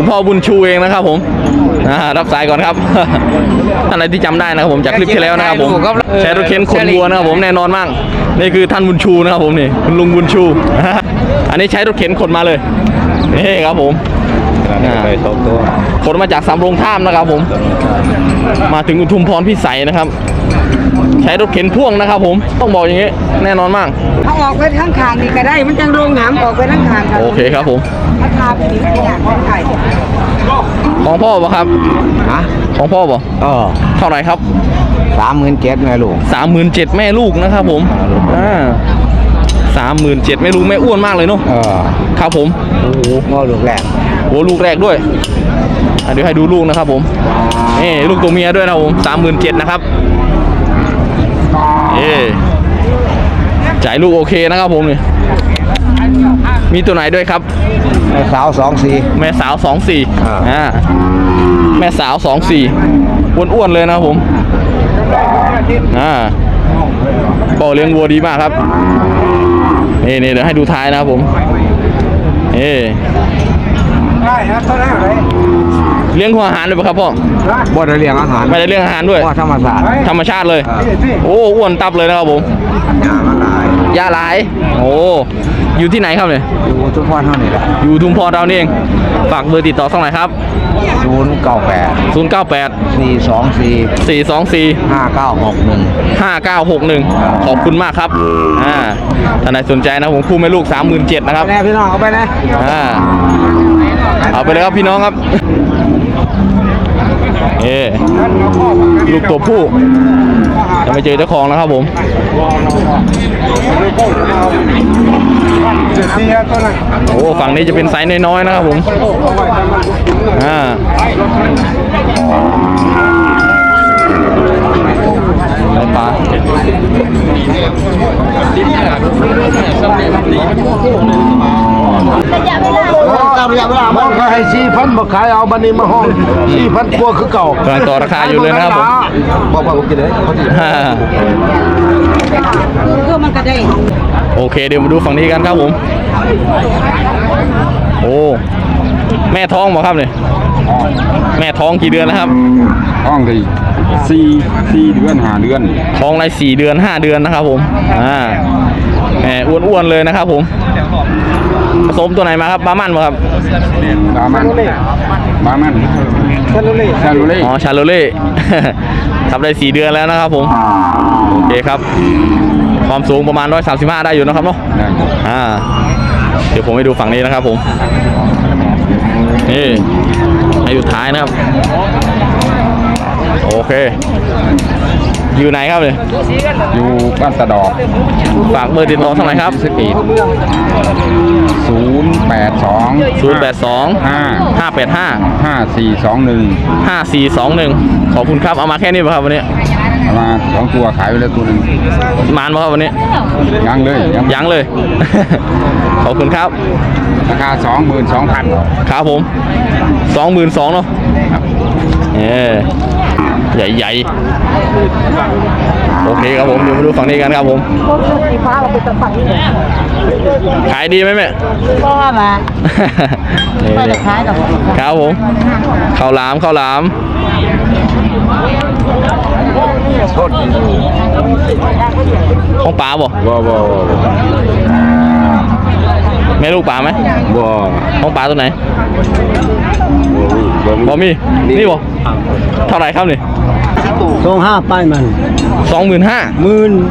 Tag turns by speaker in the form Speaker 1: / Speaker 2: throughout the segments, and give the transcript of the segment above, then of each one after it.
Speaker 1: พ่อบุญชูเองนะครับผมรับสายก่อนครับ ท่านอะไรที่จำได้นะครับผมจากคลิปที่แล้วนะครับผมใช้รถเข็นขนวัวนะครับผมแน่นอนมากนี่คือท่านบุญชูนะครับผมนี่คุณลุงบุญชู อันนี้ใช้รถเข็นขนมาเลยนี่ครับผมขนมาจากสำโรงท่ามนะครับผมมาถึงอุทุมพรพิสัยนะครับใช้รถเข็นพ่วงนะครับผมต้องบอกอย่างนี้แน่นอนมาก
Speaker 2: เขาออกไปทั้งขางนี่ก็ได้มันจังโรงหามออกไปทั้งขาง
Speaker 1: โอเคครับผม
Speaker 2: ราคาเป็นอย่างของไทย
Speaker 1: ของพ่อป่ะครับของพ่อป่ะเท่าไหร่ครับ
Speaker 3: 37,000แม่ลูก
Speaker 1: 37,000แม่ลูกนะครับผม37,000แม่ลูกแม่อ้วนมากเลยเนาะครับผม
Speaker 3: โอ้โหลูกแรก
Speaker 1: โอ้ลูกแรกด้วยเดี๋ยวให้ดูลูกนะครับผมนี่ลูกตัวเมียด้วยนะผม37,000นะครับจ่ายลูกโอเคนะครับผมนี่มีตัวไหนด้วยครับ
Speaker 3: แม่สาว24
Speaker 1: แม่สาว24แม่สาว24อ้วนๆเลยนะครับผมบ่อเลี้ยงวัวดีมากครับนี่เดี๋ยวให้ดูท้ายนะครับผมเลี้ยงหัวอาหารด้วยป่ะครับพ่อ
Speaker 3: บ่ได้เลี้ยงอาหาร
Speaker 1: ไม่ได้เลี้ยงอาหารด้วย
Speaker 3: ธรรมชาติ
Speaker 1: เลยโอ้อ้วนตับเลยนะครับผมยาหลายโอ้อยู่ที่ไหนครับเนี่ย
Speaker 3: อยู่ทุมพรเท่านี้แหละ
Speaker 1: อยู่ทุมพรเรานี่เองฝากเบอร์ติดต่อสักหน่อยครับ
Speaker 3: 098
Speaker 1: 4245961ขอบคุณมากครับท่านใดสนใจนะผมคู่แม่ลูก37,000นะครับ
Speaker 3: แน่พี่น้องเอาไปนะ
Speaker 1: เอาไปเลยครับพี่น้องครับลูกตัวผู้จะไม่เจอเจ้าของนะครับผมโอ้ฝั่งนี้จะเป็นไซส์น้อยๆนะครับผมปลา
Speaker 3: มันขาย4,000บ่ขายเอาบันนี้มาห้อง4,000กว่าคือเก่าก
Speaker 1: ำลังต่อราคาอยู่เลยนะครับผม
Speaker 3: บอกผมกินเลย
Speaker 2: คือมันก็ได้
Speaker 1: โอเคเดี๋ยวมาดูฝั่งนี้กันครับผมโอ้แม่ท้องบ่ครับเนี่ยแม่ท้องกี่เดือนแล้วครับ
Speaker 3: ท้องกี่4 เดือน5 เดือน
Speaker 1: ท้องไร4 เดือน5 เดือนนะครับผมแหมอ้วนๆเลยนะครับผมผสมตัวไหนมาครับบามันป่ะครับ
Speaker 3: บามันชาโลเล่
Speaker 1: อ๋อชาโลเล่ทำได้4 เดือนแล้วนะครับผมโอเคครับความสูงประมาณ135ได้อยู่นะครับเนาะเดี๋ยวผมไปดูฝั่งนี้นะครับผมนี่ให้อยู่ท้ายนะครับโอเคอยู่ไหนครับเนี่ย
Speaker 3: อยู่บ้านตะดอก
Speaker 1: ฝากเบอร์ติดต่อสักหน่อยครับ
Speaker 3: 082
Speaker 1: 585 5421ขอบคุณครับเอามาแค่นี้ป่ะครับวันนี้
Speaker 3: เอามา2 ตัวขายไปแล้วตัวนึง
Speaker 1: มานป่ะครับวันนี้
Speaker 3: ยังเลย
Speaker 1: ขอบคุณครับ
Speaker 3: ราคา 22,000
Speaker 1: ครับผม22,000เนาะใหญ่โอเคครับผมเดี๋ยวมาดูฝั่งนี้กันครับผมขายดีไหมแม่
Speaker 2: ก็มาไม่ได้ขายหรอก
Speaker 1: ครับผมข้าวหลามของป๋าบ่แม่ลูกป๋าไหมของป๋าตัวไหนบ่มีนี่บ่เท่าไหร่ครับนี่
Speaker 3: 25,000ป้ายมัน
Speaker 1: 25,000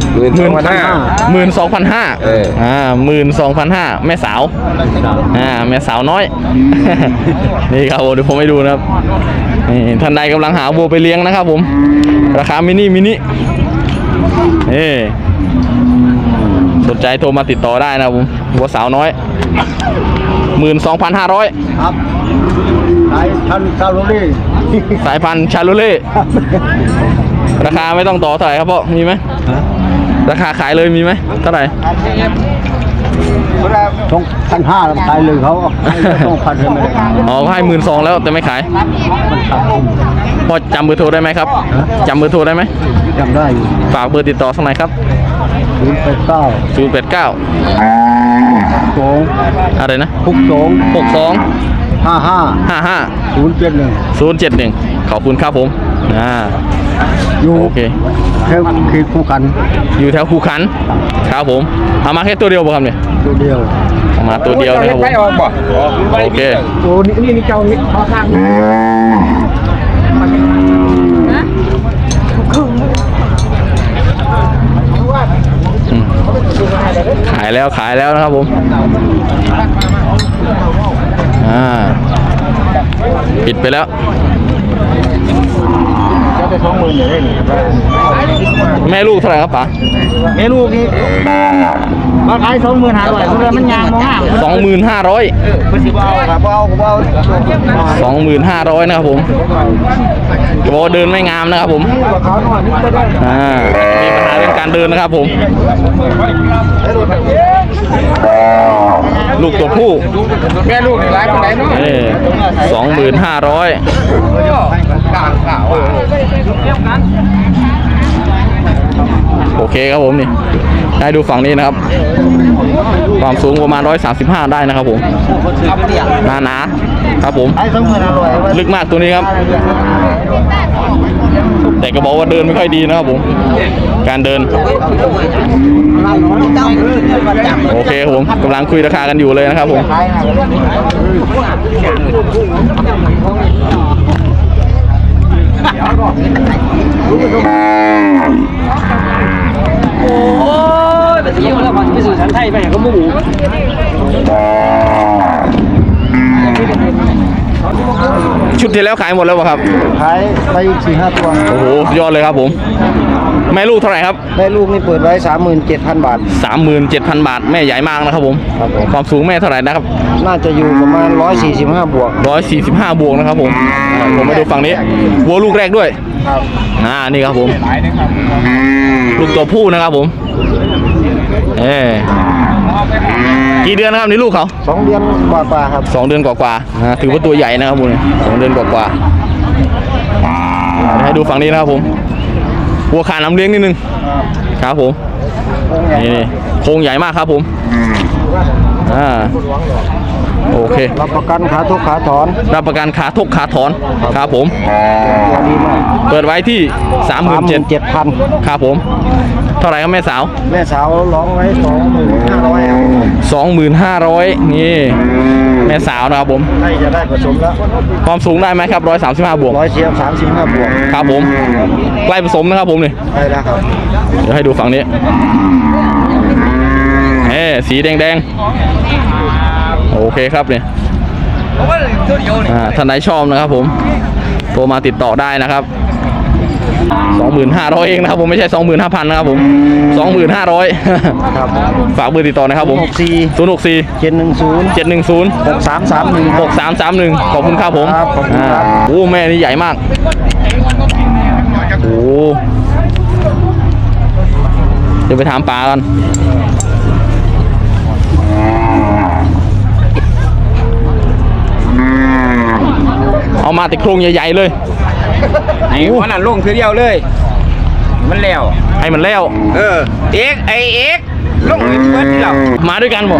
Speaker 1: 12,500แม่สาวแม่สาวน้อย นี่ครับผมเดี๋ยวผมให้ดูนะครับท่านใดกำลังหาวัวไปเลี้ยงนะครับผมราคามินิสนใจโทรมาติดต่อได้นะครับผมวัวสาวน้อย 12,500
Speaker 3: ครับสายพันธุ์ชาโลเ
Speaker 1: ล่ราคาไม่ต้องต่อเท่าไหร่ครับพ่อมีไหมราคาขายเลยมีไหมเท่าไหร่
Speaker 3: 2,500ขายเลยเขา2,000เลย
Speaker 1: อ๋อเขาให้12,000แล้วแต่ไม่ขายพ่อจำเบอร์โทรได้ไหมครับจำเบอร์โทรได้ไหม
Speaker 3: จำได้
Speaker 1: ฝากเบอร์ติดต่อสักหน่อยครับ089อะไรนะ
Speaker 3: 62
Speaker 1: 52 55
Speaker 3: 071
Speaker 1: ขอบคุณครับผม
Speaker 3: อยู่
Speaker 1: โอเค
Speaker 3: แค่คือคู่กัน
Speaker 1: อยู่แถวคูขันครับผมเอามาแค่ตัวเดียวป่ะครับเนี่ย
Speaker 3: ตัวเดียว
Speaker 1: เอามาตัวเดียวนะครับผมโอเค
Speaker 3: โอ้นี่เจ้านี่พอทาง
Speaker 1: อืมขายแล้วนะครับผมปิดไปแล้วแม่ลูกเท่าไหร่ครับป๋า
Speaker 3: เมนูนี้ราคา25,000เพื่อมันยางมาก
Speaker 1: 25,000
Speaker 3: มันสิบ่เอาครับบ่เอา
Speaker 1: 25,000นะครับผมจะบอกว่าเดินไม่งามนะครับผมมีปัญหาเรื่องการเดินนะครับผมลูกตัวผู้
Speaker 3: แม่ลูกนี่หลายปานใดเนาะ
Speaker 1: 25,000 โอเคครับผมนี่ได้ดูฝั่งนี้นะครับความสูงประมาณ135ได้นะครับผมหนาครับผม
Speaker 3: ไอ้25,000
Speaker 1: ลึกมากตัวนี้ครับ แต่ก็บอกว่าเดินไม่ค่อยดีนะครับผมการเดินโอเคครับผมกำลังคุยราคากันอยู่เลยนะครับผมชุดที่แล้วขายหมดแล้วป่ะครับ
Speaker 3: ขายไปอีก 4-5 ตัว
Speaker 1: โอ้โหยอดเลยครับผมแม่ลูกเท่าไหร่ครับ
Speaker 3: แม่ลูกนี่เปิดไว้ 37,000 บาท
Speaker 1: 37,000 บาทแม่ใหญ่มากนะครับผม
Speaker 3: ครับผม
Speaker 1: ความสูงแม่เท่าไหร่นะครับ
Speaker 3: น่าจะอยู่ประมาณ145 บวก
Speaker 1: 145 บวกนะครับผมผมมาดูฝั่งนี้วัวลูกแรกด้วย
Speaker 3: ครับ
Speaker 1: นี่ครับผมลูกตัวผู้นะครับผมกี่เดือนนะครับนี่ลูกเขา
Speaker 3: 2 เดือนกว่าๆครับ
Speaker 1: 2 เดือนกว่าๆถือว่าตัวใหญ่นะครับผม2 เดือนกว่าๆให้ดูฝั่งนี้นะครับผมวัวขาน้ำเลี้ยงนิดนึงครับผมนี่โครงใหญ่มากครับผมโอเครับ
Speaker 3: ประกันขาทุกขาถอน
Speaker 1: รับประกันขาทกขาถอนครับผม
Speaker 3: ตัวดีมาก
Speaker 1: เปิดไว้ที่
Speaker 3: 37,000
Speaker 1: ครับผมเท่าไหร่ครับแม่สาว
Speaker 3: แม่สาวร้องไว้
Speaker 1: 25,000นี่แม่สาวนะครับผม
Speaker 3: 2,500ให้จะได้ผสมแล้ว
Speaker 1: ความสูงได้ไหมครับ135 บวก
Speaker 3: 135 บวก
Speaker 1: ครับผมใกล้ผสมนะครับผมนี่
Speaker 3: ได้แล้วครับ
Speaker 1: เดี๋ยวให้ดูฝั่งนี้สีแดงๆโอเคครับเนี่ยท่านไหนชอบนะครับผมโทรมาติดต่อได้นะครับ 25,000 เองนะครับผมไม่ใช่ 25,000 นะครับผม 25,000
Speaker 3: ครับ
Speaker 1: ฝากเบอร์ติดต่อนะครับผม 064
Speaker 3: 710
Speaker 1: 710
Speaker 3: 6331
Speaker 1: 6331ขอบคุณครับผม
Speaker 3: ครับขอบคุณครับ
Speaker 1: โอ้แม่นี่ใหญ่มากโอ้เดี๋ยวไปถามปลากันเอามาแต่โครงใหญ่ๆเลย
Speaker 4: ไอ้วันนั้นลงคือเดียวเลย มันแล้ว
Speaker 1: ให้มันแล้ว
Speaker 4: เอกลงเบิดแล้ว
Speaker 1: มาด้วยกันบ่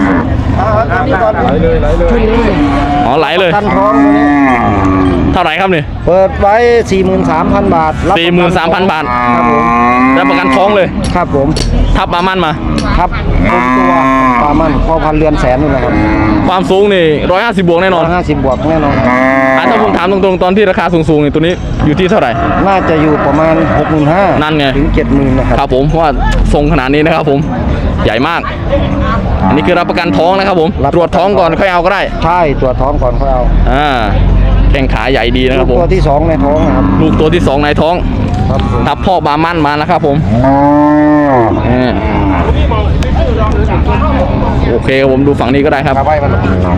Speaker 1: อ๋อไหลเลย
Speaker 3: กันท้องตัวนี้
Speaker 1: เท่าไหร่ครับนี่
Speaker 3: เปิดไว้ 43,000 บาท
Speaker 1: 43,000 บาท
Speaker 3: ครับผม
Speaker 1: รับประกันท้องเลย
Speaker 3: ครับผม
Speaker 1: ทับปลามันมา
Speaker 3: ครับผมตัวปลามันพ่อพันเรือนแสนนี่แหละครับ
Speaker 1: ความสูงนี่150 บวกแน่นอน
Speaker 3: 150 บวกแน่นอน
Speaker 1: ถ้าผมถามตรงๆตอนที่ราคาสูงๆนี่ตัวนี้อยู่ที่เท่าไหร่
Speaker 3: น่าจะอยู่ประมาณ 65,000
Speaker 1: นั่นไง
Speaker 3: ถึง 70,000 นะครับ
Speaker 1: ครับผมเพราะว่าทรงขนาดนี้นะครับผมใหญ่มาก อันนี้คือรับประกันท้องนะครับผมตรวจท้องก่อนค่อยเอาก็ได้
Speaker 3: ใช่ตัวจท้องก่อนค่อยเอา
Speaker 1: แข้งขาใหญ่ดีนะครับผม
Speaker 3: ตัวที่ 2 ในท้องนะครับ
Speaker 1: ลูกตัวที่ 2 ในท้อง
Speaker 3: ครับผม
Speaker 1: ทับพ่อบามั่นมานะครับผมโอเคครับผมดูฝั่งนี้ก็ได้ครับ
Speaker 3: ครับไว้มัน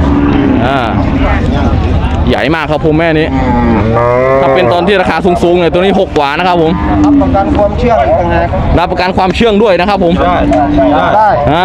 Speaker 1: ใหญ่มากครับผมแม่นี้ถ้าเป็นตอนที่ราคาสูงๆเนี่ยตัวนี้6 กว่านะครับผม
Speaker 3: รับประกันความเชื่องอีกต่างหาก
Speaker 1: รับประกันความเชื่องด้วยนะครับผม
Speaker 3: ได้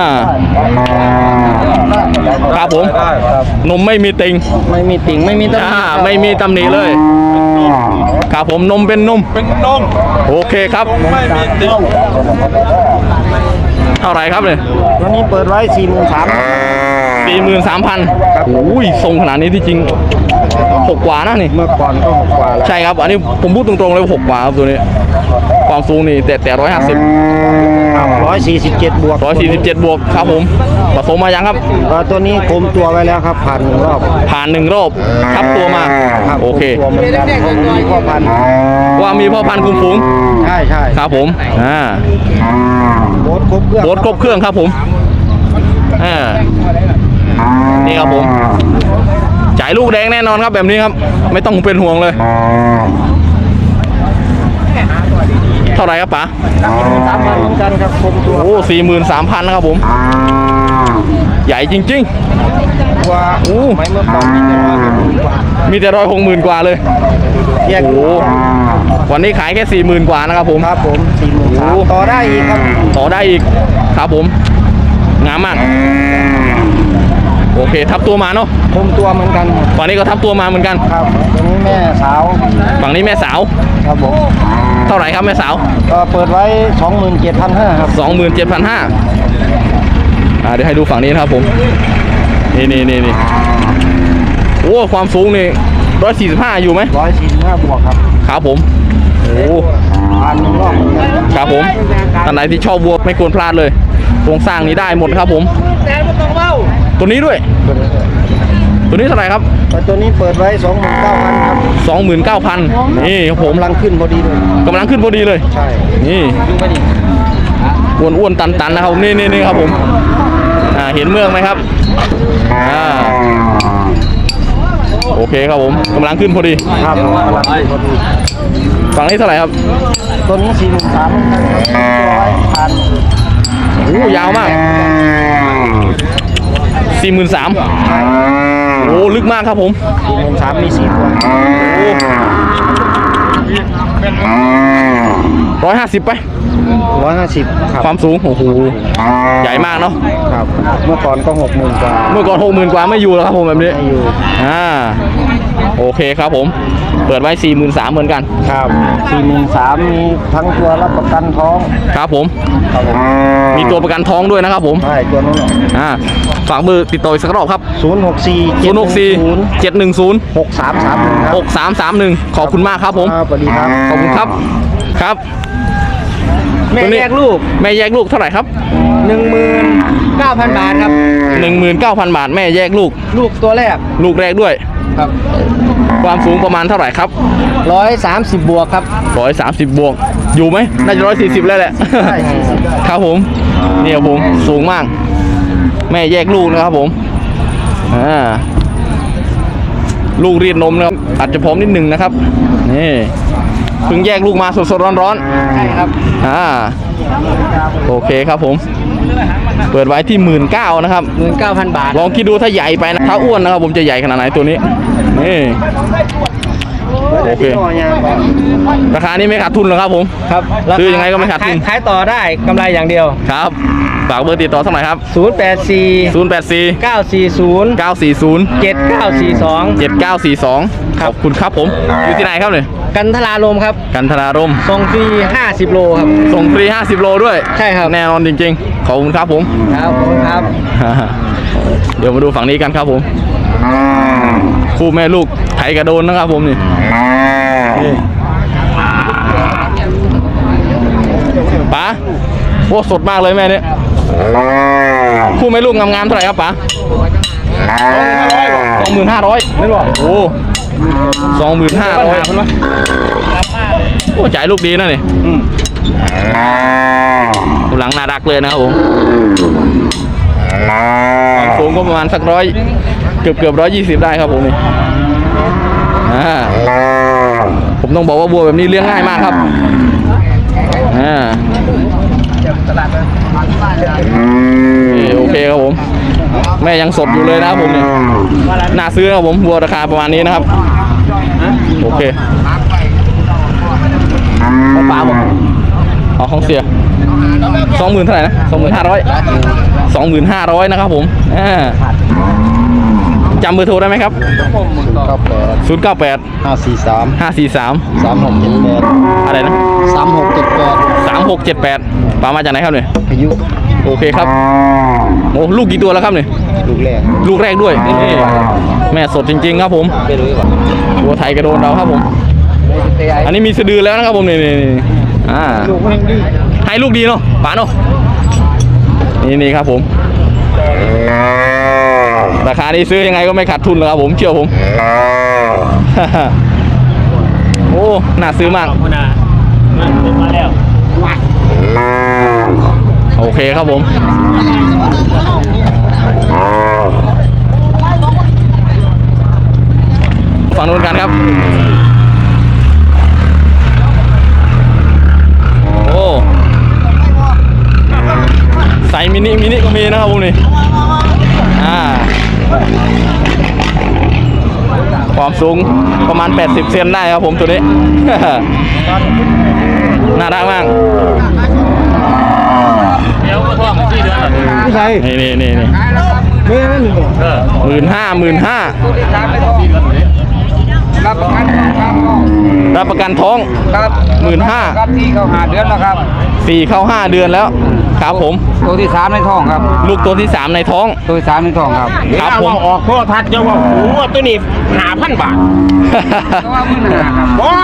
Speaker 1: ครับผม
Speaker 3: ครับ
Speaker 1: นมไม่มีติง
Speaker 3: ไม่มีติ่งไม่มีตำหนิ
Speaker 1: ไม่มีตำหนิเลยครับผมนมเป็นนมโอเคครับ
Speaker 3: ไม่มีติ่ง
Speaker 1: เท่าไหร่ครับเนี่ย
Speaker 3: ตัวนี้เปิดไว้ 43,000
Speaker 1: 43,000โอ้ยทรงขนาดนี้ที่จริง6กว่านะนี่
Speaker 3: เมื่อก่อนก็6กว่าแล้ว
Speaker 1: ใช่ครับอันนี้ผมพูดตรงๆเลยว่า6กว่าครับตัวนี้ความสูงนี่แต่150
Speaker 3: 147บวก
Speaker 1: 147บวกครับผมผสมมายังครับ
Speaker 3: ตัวนี้คุมตัวไว้แล้วครับผ่าน1รอบ
Speaker 1: ผ่าน1รอบทับตัวมา
Speaker 3: ครับ
Speaker 1: โอเค
Speaker 3: ตัวมันมีพ่อพันธุ์
Speaker 1: ว่ามีพ่อพันธุ์คุมฝูง
Speaker 3: ใช่
Speaker 1: ครับผม
Speaker 3: โบสครบเครื่อง
Speaker 1: โบสครบเครื่องครับผมนี่ครับผมจ่ายลูกแดงแน่นอนครับแบบนี้ครับไม่ต้องเป็นห่วงเลยเท่าไหร่ครับป๋า
Speaker 3: 3,000เหมือนกันครับคุมตัว
Speaker 1: โอ้43,000นะครับผมใหญ่จริง
Speaker 3: ตัว
Speaker 1: ๆโอ้
Speaker 3: ไม่เมื่อก่อนมีแต่
Speaker 1: มีแต่160,000 กว่าเลย
Speaker 3: แยก
Speaker 1: โอ้วันนี้ขายแค่40,000 กว่านะครับผม
Speaker 3: ครับผม43,000ต่อได้อีกครับ
Speaker 1: ต่อได้อีกครับผมงามมากโอเคทับตัวมาเนาะ
Speaker 3: คุมตัวเหมือนกันครับ
Speaker 1: ฝั่งนี้ก็ทับตัวมาเหมือนกัน
Speaker 3: ครับตัวนี้แม่สาว
Speaker 1: ฝั่งนี้แม่สาว
Speaker 3: ครับผม
Speaker 1: เท่าไหร่ครับแม่สาว
Speaker 3: เปิดไว้ 27,500ครับ
Speaker 1: 27,500เดี๋ยวให้ดูฝั่งนี้นะครับผมนี่โอ้ความสูงนี่145อยู่ไหม
Speaker 3: 145บวกครับ
Speaker 1: ครับผมโอ้
Speaker 3: ผ่าน1รอบเหมือนกัน
Speaker 1: ครับผมท่านไหนที่ชอบวัวไม่ควรพลาดเลยโครงสร้างนี้ได้หมดครับผมตัวนี้ด้วยตัวนี้เท่าไหร่ครับ
Speaker 3: ตัวนี้เปิดไว้ 29,000ครับ
Speaker 1: 29,000นี่ครับผม
Speaker 3: กำลังขึ้นพอดีเลย
Speaker 1: กำลังขึ้นพอดีเลย
Speaker 3: ใช่
Speaker 1: นี่อ้วนๆตันๆนะครับนี่ครับผมเห็นเมืองไหมครับโอเคครับผมกำลังขึ้นพอดี
Speaker 3: ครับกำลังขึ้นพอดี
Speaker 1: ฝั่งนี้เท่าไหร่ครับ
Speaker 3: ตัวนี้43,000ผ่าน
Speaker 1: โอ้ยาวมาก43,000โอ้ลึกมากครับผม
Speaker 3: 43,000มี4ตัว
Speaker 1: 150ไป
Speaker 3: 150ครับ
Speaker 1: ความสูงโอ้โหใหญ่มากเนาะ
Speaker 3: ครับเมื่อก่อนก็60,000กว่า
Speaker 1: เมื่อก่อน60,000 กว่าไม่อยู่แล้วครับผมแบบนี้
Speaker 3: ไม่อยู่
Speaker 1: โอเคครับผมเปิดไว้43,000เหมือนกัน
Speaker 3: ครับ43,000มีทั้งตัวรับประกันท้อง
Speaker 1: ครับผม
Speaker 3: ครับผม
Speaker 1: มีตัวประกันท้องด้วยนะครับผม
Speaker 3: ใช่ตัวนู้น
Speaker 1: ฝากเบอร์ติดต่ออีกสักรอบครับ
Speaker 3: 064
Speaker 1: 064 710
Speaker 3: 6331ครับ
Speaker 1: 6331ขอบคุณมากครับผม
Speaker 3: สวัสดีครับ
Speaker 1: ขอบคุณครับครับ
Speaker 3: แม่
Speaker 1: ตัวนี้
Speaker 3: แยกลูก
Speaker 1: แม่แยกลูกเท่าไหร่ครับ
Speaker 3: 19,000 บาทครับ
Speaker 1: 19,000 บาทแม่แยกลูก
Speaker 3: ลูกตัวแรก
Speaker 1: ลูกแรกด้วย
Speaker 3: ครับ
Speaker 1: ความสูงประมาณเท่าไหร่ครับ
Speaker 3: 130บวกครับ
Speaker 1: 130 บวกอยู่ไหมน่าจะ140แล้วแหละ
Speaker 3: ใช่
Speaker 1: ครับผมนี่ครับผมสูงมาก แม่แยกลูกนะครับผมลูกรีดนมนะครับอาจจะพร้อมนิดหนึ่งนะครับนี่เพิ่งแยกลูกมาสดๆร้อนๆใช่ครับโอเคครับผมเปิดไว้ที่19,000นะครับ
Speaker 3: 19,000 บาท
Speaker 1: ลองคิดดูถ้าใหญ่ไปนะถ้าอ้วนนะครับผมจะใหญ่ขนาดไหนตัวนี้นี่โอเคราคานี้ไม่ขาดทุนหรอกครับผม
Speaker 3: ครับ
Speaker 1: ซื้อยังไงก็ไม่ขาดทุน
Speaker 3: ขายต่อได้กำไรอย่างเดียว
Speaker 1: ครับฝากเบอร์ติดต่อสักหน่อยครับ
Speaker 3: 084
Speaker 1: 084
Speaker 3: 940
Speaker 1: 940
Speaker 3: 7942
Speaker 1: 7942ขอบคุณครับผมอยู่ที่ไหนครับเนี่ย
Speaker 3: กันทลาลมครับ
Speaker 1: กันทรารม
Speaker 3: ส่งฟรี50โลครับ
Speaker 1: ส่งฟรี50 โลด้วย
Speaker 3: ใช่ครับ
Speaker 1: แน่นอนจริงๆขอบคุณครับผม
Speaker 3: ครับขอบคุณครับ
Speaker 1: เดี๋ยวมาดูฝั่งนี้กันครับผมคู่แม่ลูกไถกระโดนนะครับผมนี่ป๋าโอ้สดมากเลยแม่เนี่ยคู่แม่ลูกงามๆเท่าไหร่ครับป๋า25,000ไม่บอกโอ้25,000โอ้จ่ายลูกดีนะนี่หลังน่ารักเลยนะครับผมสูงก็ประมาณสักเกือบ120ได้ครับผมนี่ผมต้องบอกว่าวัวแบบนี้เลี้ยงง่ายมากครับโอเคครับผมแม่ยังสดอยู่เลยนะครับผมนี่น่าซื้อนะครับผมวัวราคาประมาณนี้นะครับโอเคของป้าบอกเอาของเสีย20,000เท่าไหร่นะ25,000นะครับผมจำเบอร์โทรได้ไหมครับ098
Speaker 3: 543
Speaker 1: 543
Speaker 3: 3678
Speaker 1: อะไรนะ
Speaker 3: 3678
Speaker 1: 3678ป้ามาจากไหนครับเนี่ย
Speaker 3: พายุ
Speaker 1: โอเคครับโอ้ลูกกี่ตัวแล้วครับเนี่ย
Speaker 4: ลูกแรก
Speaker 1: ลูกแรกด้วยนี่แม่สดจริงๆครับผมตัวไทยกระโดนเราครับผมอันนี้มีสะดือแล้วนะครับผมนี่ให้ลูกดีเนาะป๋าเนาะนี่ครับผมราคานี้ซื้อยังไงก็ไม่ขาดทุนหรอกครับผมเชื่อผม โอ้น่าซื้อมากโอเคครับผมฝั่งนู้นกันครับโอ้ใส่มินิก็มีนะครับผมนี่ความสูงประมาณ80เซนได้ครับผมตัวนี้ น่ารักมากนี่15,000รับประกันท้อง
Speaker 4: ครับ
Speaker 1: 15,000
Speaker 4: ครับที่เขาหาเดือนแล้วครับ
Speaker 1: 4 เข้า 5 เดือนแล้วครับผม
Speaker 4: ตัวที่3ในท้องครับ
Speaker 1: ลูกตัวที่ 3 ในท้อง
Speaker 4: ตัวที่3ในท้องครับ
Speaker 1: ครับผม
Speaker 3: ออกโทรทัศน์จะว่าหูว่าตัวนี้5,000 บาทบ่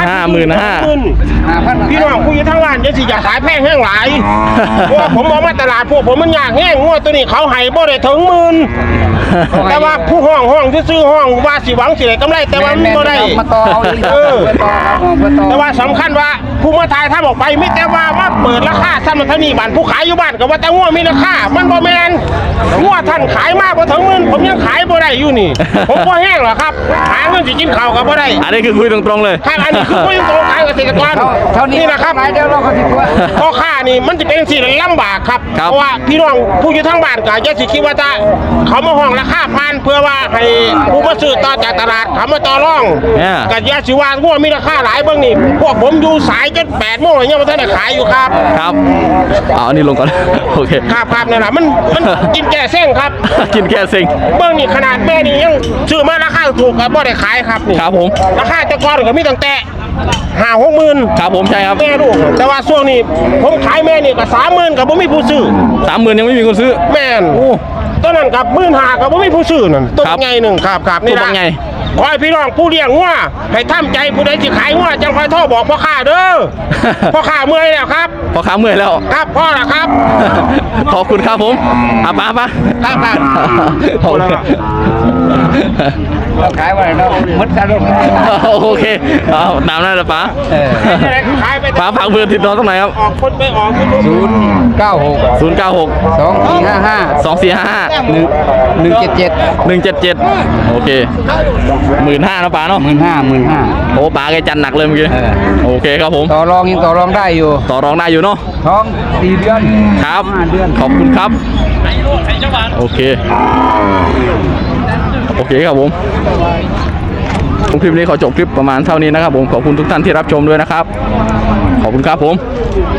Speaker 1: 15,000
Speaker 3: พี่น้องผู้อยู่ทางร้านจะสิอยากขายแพงแห้งหลายเพราะว่าผมเอามาตลาดพวกผมมันยากแห้งงัวตัวนี้เขาให้บ่ได้ถึงหมื่นแต่ว่าผู้ห้องซื้อห้องว่าสิหวังสิได้กำไรแต่ว่ามันบ่ได้
Speaker 4: มาต่อเอาอีก
Speaker 3: เออ
Speaker 4: มาต่อครับมาต่อ
Speaker 3: แต่ว่าสำคัญว่าผู้มาทายถ้าออกไปไม่แต่ว่าเปิดราคาท่านมันเท่านี้บ้านผู้ขายอยู่บ้านก็ว่าแต่งัวมีราคามันบ่แม่นงัวท่านขายมากบ่ถึงหมื่นผมยังขายบ่ได้อยู่นี่ ผมบ่แห้งหรอกครับหาเงินสิกินข้าวก็บ่ได้
Speaker 1: อันนี้คือคุยตรงๆเลย
Speaker 3: ครับอันนี้คือผู้ยังโตขายเกษตรกร
Speaker 4: เท่านี้
Speaker 3: นี่นะครับ
Speaker 4: หลายเดียวเราก็ติดตัว
Speaker 3: พ่อค้านี่มันจะเป็นสิ่งลำบากครับ
Speaker 1: ครับ
Speaker 3: เพราะว่าพี่น้องผู้อยู่ทางบ้านก็อย่าสิคิดว่าจะเขามาห้องราคาพันเพื่อว่าให้ผู้มาซื้อต่อจากตลาดเขามาต่อรอง
Speaker 1: เนี่ย
Speaker 3: ก็อย่าสิว่างัวมีราคาหลายเบิ่งนี่พวกผมอยู่สายจน8 โมงยังบ่ทันได้ขายอยู่ครับ
Speaker 1: ครับเอาอันนี้ลงก่อน โอเค
Speaker 3: ครับนั่นน่ะมันกินแก่เส้นครับ
Speaker 1: กินแค่สิง
Speaker 3: เบิ่งนี่ขนาดแม่นี่ยังซื้อมาราคาถูกก็บ่ได้ขายครับนี่
Speaker 1: ครับผม
Speaker 3: ราคาแต่ก่อนก็มีตั้งแต่5-6 หมื่น
Speaker 1: ครับผมใช่ครับ
Speaker 3: แม่ลูกแต่ว่าช่วงนี้ผมขายแม่นี่ก็30,000ก็บ่มีผู้ซื้อ
Speaker 1: 30,000ยังไม่มีคนซื้อ
Speaker 3: แม่น
Speaker 1: โอ้
Speaker 3: ตัวนั้นกับ15,000ก็บ่มีผู้ซื้อนั่นตัว
Speaker 1: ครับ
Speaker 3: ใหญ่หนึงครับนี่
Speaker 1: ตัว
Speaker 3: ล่ะ
Speaker 1: ใหญ่
Speaker 3: ขอให้พี่น้องผู้เลี้ยงงัวให้ทำใจผู้ใดสิขายงัวจังค่อยโทรบอกพ่อค้าเด้อ พ่อค้าเมื่อยแล้วครับ
Speaker 1: พอขาเมื่อยแล้ว
Speaker 3: ครับพ่อล่ะครับ
Speaker 1: ขอบคุณครับผมป้า
Speaker 3: ครับ
Speaker 1: โอเค
Speaker 4: เราขายไว้เรามัดซะลูก
Speaker 1: โอเคเอาตามนั้นเลยป้า
Speaker 3: ขายไป
Speaker 1: ป้าฝากเบอร์ติดต่อตรงไหนครับ
Speaker 3: ออกคนไปออกคน
Speaker 4: 096
Speaker 1: 096
Speaker 4: 2455
Speaker 1: 2455
Speaker 4: 177
Speaker 1: 177โอเค15,000นะป้าเนาะ
Speaker 4: 15,000
Speaker 1: โอ้ป้าแกจัดหนักเลยเมื่อกี้โอเคครับผม
Speaker 4: ต่อรองยังต่อรองได้อยู่
Speaker 1: ต่อรองได้อยู่เนาะ
Speaker 4: ท้อง4 เดือน
Speaker 1: ครับ
Speaker 4: 5 เดือน
Speaker 1: ขอบคุณครับโอเคครับผมคลิปนี้ขอจบคลิปประมาณเท่านี้นะครับผมขอบคุณทุกท่านที่รับชมด้วยนะครับขอบคุณครับผม